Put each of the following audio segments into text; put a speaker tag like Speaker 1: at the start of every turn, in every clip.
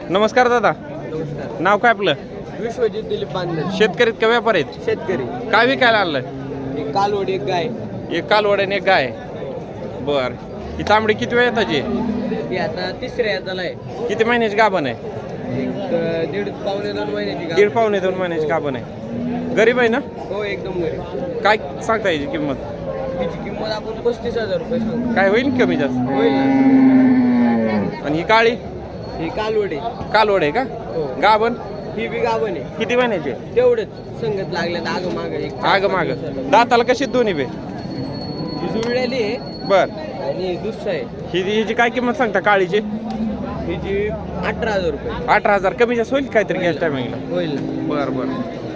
Speaker 1: नमस्कार दादा,
Speaker 2: नमस्कार.
Speaker 1: नाव काय आपलं?
Speaker 2: विश्वजित दिलीप बांधले.
Speaker 1: शेतकरी का व्यापार आहेत?
Speaker 2: शेतकरी.
Speaker 1: काय विकायला आणलंय?
Speaker 2: एक कालवड एक गाय.
Speaker 1: एक कालवड आणि एक गाय. बर, ही तांबडी किती वेळ येताची?
Speaker 2: ती आता तिसऱ्या येताला आहे.
Speaker 1: किती महिन्याची गाभण आहे?
Speaker 2: एक दीड पावणे 2 महिन्याची गाय.
Speaker 1: दीड पावणे 2 महिन्याची गाभण आहे. गरीब आहे ना?
Speaker 2: हो एकदम गरीब.
Speaker 1: काय सांगता याची किंमत?
Speaker 2: तिची किंमत आपण 35,000 रुपये सांगतो.
Speaker 1: काय होईल कमी जास्त?
Speaker 2: होईल ना.
Speaker 1: आणि ही काळी
Speaker 2: ही कालवड आहे.
Speaker 1: कालवड आहे का?
Speaker 2: हो.
Speaker 1: गाभण
Speaker 2: ही बी गाभण आहे.
Speaker 1: किती महिन्याची?
Speaker 2: तेवढंच संगत लागल्यात आग माग एक
Speaker 1: आग माग. दाताला कशी दोन्ही बे?
Speaker 2: ही जुळलेली आहे
Speaker 1: बर,
Speaker 2: आणि दुसरं आहे.
Speaker 1: हिची काय किंमत सांगता काळीची?
Speaker 2: हिची 18,000 रुपये.
Speaker 1: 18,000 कमी जास्त होईल काहीतरी गॅस टायमिंगला?
Speaker 2: होईल ना.
Speaker 1: बर बर.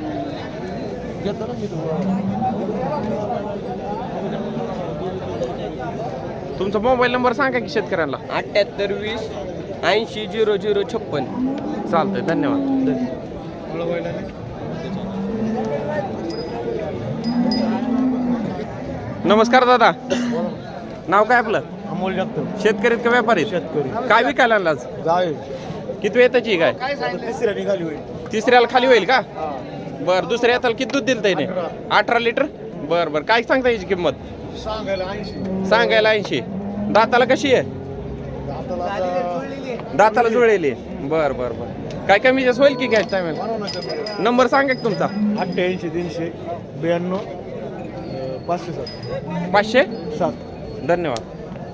Speaker 1: तुमचा मोबाईल नंबर सांगा की शेतकऱ्यांना.
Speaker 2: 78 20 80 00 56.
Speaker 1: चालतंय, धन्यवाद. नमस्कार दादा, नाव काय आपलं?
Speaker 3: अमोल जगताप.
Speaker 1: शेतकरी का व्यापारी?
Speaker 3: शेतकरी.
Speaker 1: काय विकायला आणलं आज?
Speaker 3: जाय
Speaker 1: किती वेळ त्याची काय?
Speaker 3: तिसऱ्या निघाली होईल.
Speaker 1: तिसऱ्याला खाली होईल का? बर, दुसऱ्या येताला किती दूध दिलं त्याने? 18 लिटर. बर बर, काय सांगता याची किंमत?
Speaker 3: सांगायला 80.
Speaker 1: सांगायला 80. दाताला कशी आहे? दाताला जुळलेली. बर बर बर, काय कमी जास्त होईल की गॅस टायमिंग? नंबर सांगा की तुमचा.
Speaker 3: 88 300 92 507.
Speaker 1: 507. धन्यवाद.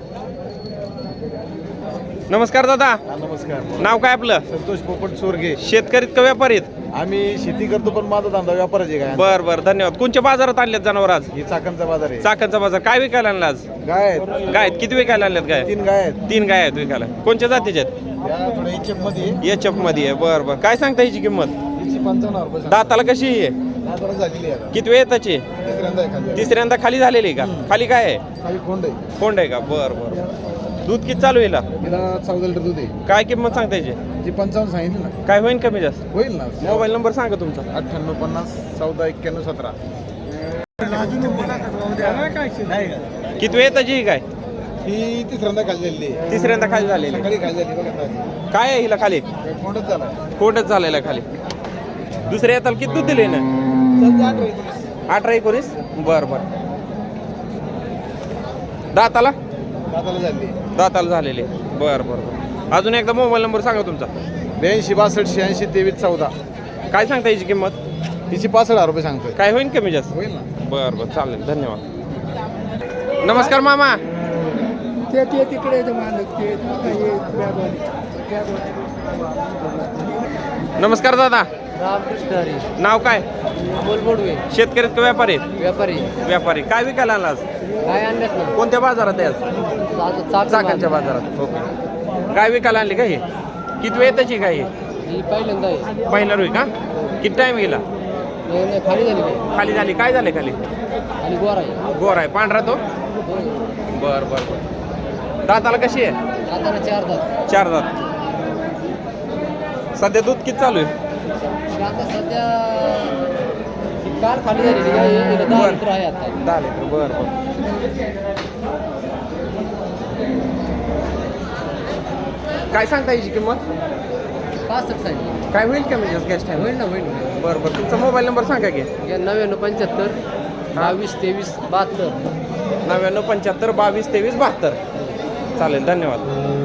Speaker 1: नमस्कार दादा,
Speaker 3: नमस्कार.
Speaker 1: नाव काय आपलं?
Speaker 3: संतोष पोपट चोरगे.
Speaker 1: शेतकरी का व्यापारी आहेत?
Speaker 3: आम्ही शेती करतो पण माझा धंदा व्यापाराचे काय.
Speaker 1: बर बर, धन्यवाद. कोणत्या बाजारात आणल्यात जनावर आज?
Speaker 3: ही चाकणचा बाजार आहे.
Speaker 1: चाकणचा बाजार. काय विकायला आणला आज?
Speaker 3: गाय आहेत.
Speaker 1: गाय आहेत. किती विकायला आणल्यात गाय?
Speaker 3: 3 गाय आहेत.
Speaker 1: 3 गाय आहेत विकायला. कोणत्या जातीच्या आहेत?
Speaker 3: त्या थोड्या HF मध्ये.
Speaker 1: एच एफ मध्ये आहे. बर बर, काय सांगता याची किंमत?
Speaker 3: हिची 55,000 रुपये सांगतो.
Speaker 1: दाताला कशी आहे?
Speaker 3: दाताला झालेली आहे.
Speaker 1: किती वेळ त्याची?
Speaker 3: तिसऱ्यांदा आहे खाली.
Speaker 1: तिसऱ्यांदा खाली झालेली का? खाली काय आहे?
Speaker 3: खाली खोंड आहे.
Speaker 1: कोंड आहे का? बर बर. दूध किती चालू येईल?
Speaker 3: तिला 14 लिटर दूध आहे.
Speaker 1: काय किंमत सांगता याची?
Speaker 3: जी 55 सांगितली ना.
Speaker 1: काय होईल कमी जास्त?
Speaker 3: होईल ना.
Speaker 1: मोबाईल नंबर सांगा तुमचा.
Speaker 3: 98 50 14 91 17.
Speaker 1: किती वेळ त्याची ही काय?
Speaker 3: ही तिसऱ्यांदा खाली झालेली आहे.
Speaker 1: तिसऱ्यांदा खाली झालेली.
Speaker 3: सकाळी खाली झाली बघा ताजी.
Speaker 1: काय आहे हिला खाली?
Speaker 3: कोंडच झाला.
Speaker 1: कोंडच झालेला आहे खाली. दुसऱ्या येताला किती दूध दिले ना?
Speaker 3: सध्या 18
Speaker 1: 18 19. बर बर. दाताला?
Speaker 3: दाताला झाली.
Speaker 1: दाताला झालेले. बर बर बर. अजून एकदा मोबाईल नंबर सांगा तुमचा.
Speaker 3: 82 62 86 23 14.
Speaker 1: काय सांगता याची किंमत?
Speaker 3: तिची 65,000 रुपये सांगतोय.
Speaker 1: काय होईल कमी जास्त?
Speaker 3: होईल ना.
Speaker 1: बर बर, चालेल, धन्यवाद. नमस्कार मामा.
Speaker 4: ते तिकडे मालक ते
Speaker 1: नमस्कार दादा,
Speaker 2: रामकृष्ण हरी.
Speaker 1: नाव काय?
Speaker 2: अमोल बोडवे.
Speaker 1: शेतकरी का व्यापारी?
Speaker 2: व्यापारी.
Speaker 1: व्यापारी. काय विकायला आणला आज?
Speaker 2: काय आणल्यात ना?
Speaker 1: कोणत्या बाजारात आहे आज? चाकणच्या बाजारात. ओके. काय विकायला आणली का ही? किती वेळ त्याची काय ही?
Speaker 2: ही पहिल्यांदा आहे.
Speaker 1: पहिला रुई का? किती टाइम गेला?
Speaker 2: नाही, खाली झाली काय?
Speaker 1: खाली झाली. काय झाले खाली?
Speaker 2: आणि गोर आहे.
Speaker 1: गोर आहे. पांढरा तो? बर बर बर. दाताला कशी आहे?
Speaker 2: आता 4 दात.
Speaker 1: 4 दात. सध्या दूध किती चालू आहे?
Speaker 2: आता सध्या ही काल खाली झालेली काय? हिला 10
Speaker 1: बरं.
Speaker 2: लिटर आहे आता.
Speaker 1: 10 लिटर. बर बर. काय सांगता याची किंमत?
Speaker 2: 65 आहे.
Speaker 1: काय होईल कमी जास्त गॅस टाइम?
Speaker 2: होईल ना, होईल.
Speaker 1: बरं बरं. तुमचा मोबाईल नंबर सांगा की.
Speaker 2: 99 75 22 23 72.
Speaker 1: 99 75 22 23 72. चालेल, धन्यवाद.